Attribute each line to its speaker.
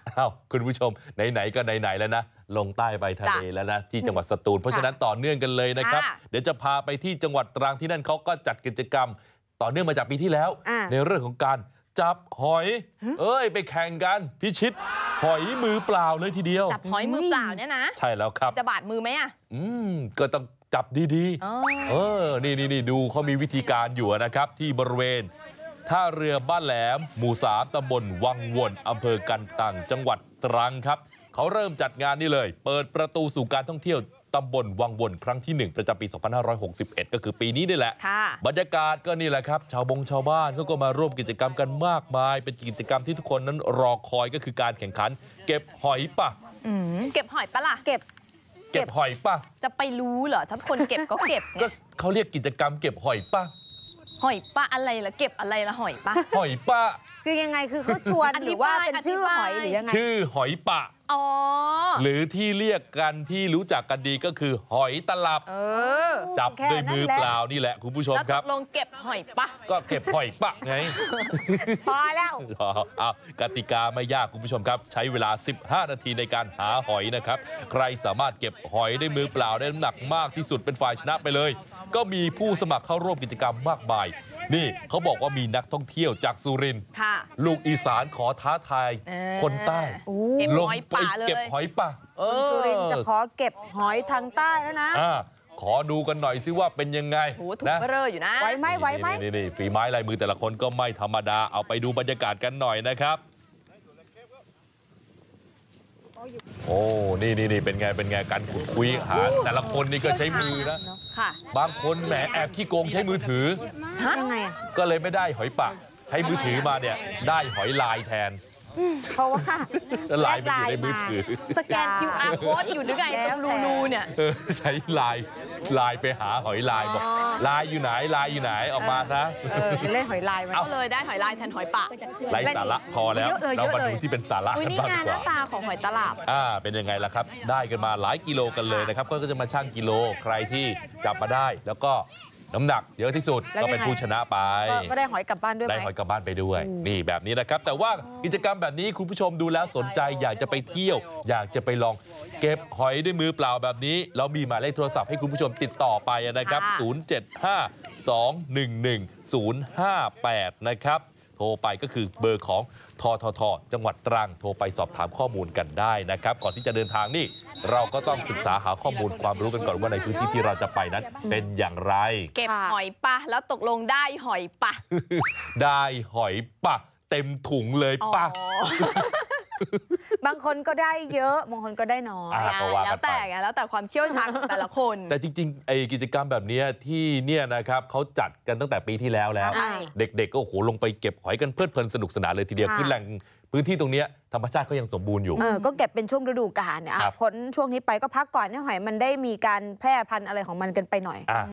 Speaker 1: อ้าวคุณผู้ชมไหนๆก็ไหนๆแล้วนะลงใต้ไปทะเลแล้วนะที่จังหวัดสตูลเพราะฉะนั้นต่อเนื่องกันเลยนะครับเดี๋ยวจะพาไปที่จังหวัดตรังที่นั่นเขาก็จัดกิจกรรมต่อเนื่องมาจากปีที่แล้วในเรื่องของการจับหอยไปแข่งกันพิชิตหอยมือเปล่าเลยทีเดียว
Speaker 2: จับหอยมือเปล่าเนี่ยนะ
Speaker 1: ใช่แล้วครับ
Speaker 2: จะบาดมือไหมอ่ะ
Speaker 1: ก็ต้องจับดีๆนี่ดูเขามีวิธีการอยู่นะครับที่บริเวณท่าเรือบ้านแหลมหมู่3ตำบลวังวนอำเภอกันตังจังหวัดตรังครับเขาเริ่มจัดงานนี่เลยเปิดประตูสู่การท่องเที่ยวตำบลวังวนครั้งที่1ประจำปี2561ก็คือปีนี้นี่แหละบรรยากาศก็นี่แหละครับชาวบ้านเขาก็มาร่วมกิจกรรมกันมากมายเป็นกิจกรรมที่ทุกคนนั้นรอคอยก็คือการแข่งขันเก็บหอยป่ะ
Speaker 2: เก็บหอยปะล่ะ
Speaker 1: เก็บหอยป่ะ
Speaker 2: จะไปรู้เหรอถ้าคนเก็บก็เก็บ
Speaker 1: ก็เขาเรียกกิจกรรมเก็บหอยป่ะ
Speaker 2: หอยปะอะไรล่ะเก็บอะไรล่ะหอยปะ
Speaker 1: หอยป่ะ
Speaker 3: คือยังไงคือเขาชวนหรือว่าเป็นชื่อหอยหรือยังไง
Speaker 1: ชื่อหอยป่ะหรือที่เรียกกันที่รู้จักกันดีก็คือหอยตลับจับด้วยมือเปล่านี่แหละคุณผู้ชมครับ
Speaker 2: ลงเก็บหอยปะ
Speaker 1: ก็เก็บหอยปะไง
Speaker 3: พอแล้ว
Speaker 1: กติกาไม่ยากคุณผู้ชมครับใช้เวลา15นาทีในการหาหอยนะครับใครสามารถเก็บหอยด้วยมือเปล่าได้น้ำหนักมากที่สุดเป็นฝ่ายชนะไปเลยก็มีผู้สมัครเข้าร่วมกิจกรรมมากมายนี่เขาบอกว่ามีนักท่องเที่ยวจากสุรินทร์ลูกอีสานขอท้าทายคนใต้ลงไปเก็บหอยป่ะ
Speaker 3: สุรินทร์จะขอเก็บหอยทางใต้แล้วนะ
Speaker 1: ขอดูกันหน่อยซิว่าเป็นยังไง
Speaker 2: ถูกเบ้ออยู่นะ
Speaker 3: ไหวไหม
Speaker 1: นี่ฝีไม้ลายมือแต่ละคนก็ไม่ธรรมดาเอาไปดูบรรยากาศกันหน่อยนะครับโอ้นี่เป็นไงการขุดคุยหาแต่ละคนนี่ก็ใช้มือนะบางคนแหมแอบขี้โกงใช้มือถือ
Speaker 3: ยังไง
Speaker 1: ก็เลยไม่ได้หอยปะใช้มือถือมาเนี่ยได้หอยลายแทน
Speaker 3: เพราะว่า
Speaker 1: ลายมันอยู่ในมือถือ
Speaker 2: สแกน QR code อยู่หรือไงรูเนี่ย
Speaker 1: ใช้ลายไปหาหอยลายบอกลายอยู่ไหนออกมาซะ
Speaker 3: เล่นหอยลายมา
Speaker 2: ก็เลยได้หอยลายแทนหอยปะ
Speaker 1: ไร้สาระพอแล้วเรามาดูที่เป็นสาระกันบ้างดีกว่า
Speaker 2: หน้าตาของหอยตลับ
Speaker 1: เป็นยังไงล่ะครับได้กันมาหลายกิโลกันเลยนะครับก็จะมาชั่งกิโลใครที่จับมาได้แล้วก็น้ำหนักเยอะที่สุดก็เป็นผู้ชนะไป
Speaker 3: ก็ได้หอยกลับบ้านด้วย
Speaker 1: ได้หอยกลับบ้านไปด้วยนี่แบบนี้นะครับแต่ว่ากิจกรรมแบบนี้คุณผู้ชมดูแล้วสนใจอยากจะไปเที่ยวอยากจะไปลองเก็บหอยด้วยมือเปล่าแบบนี้เรามีหมายเลขโทรศัพท์ให้คุณผู้ชมติดต่อไปนะครับ0752110058นะครับโทรไปก็คือเบอร์ของททจังหวัดตรังโทรไปสอบถามข้อมูลกันได้นะครับก่อนที่จะเดินทางนี่เราก็ต้องศึกษาหาข้อมูลความรู้กันก่อนว่าในพื้นที่ที่เราจะไปนั้นเป็นอย่างไร
Speaker 2: เก็บหอยปะแล้วตกลงได้หอยปะ
Speaker 1: ได้หอยปะเต็มถุงเลยปะ
Speaker 3: บางคนก็ได้เยอะบางคนก็ได้น้อย
Speaker 2: แล้วแต่ความเชี่ยวชาญของแต่ละคน
Speaker 1: แต่จริงๆไอ้กิจกรรมแบบนี้ที่เนี่ยนะครับเขาจัดกันตั้งแต่ปีที่แล้วเด็กๆก็โอ้โหลงไปเก็บหอยกันเพลิดเพลินสนุกสนานเลยทีเดียวคือแหล่งพื้นที่ตรงนี้ธรรมชาติก็ยังสมบูรณ์อยู่
Speaker 3: ก็เก็บเป็นช่วงฤดูกาลเนี่ยพ้นช่วงนี้ไปก็พักก่อนให้หอยมันได้มีการแพร่พันธุ์อะไรของมันกันไปหน่อย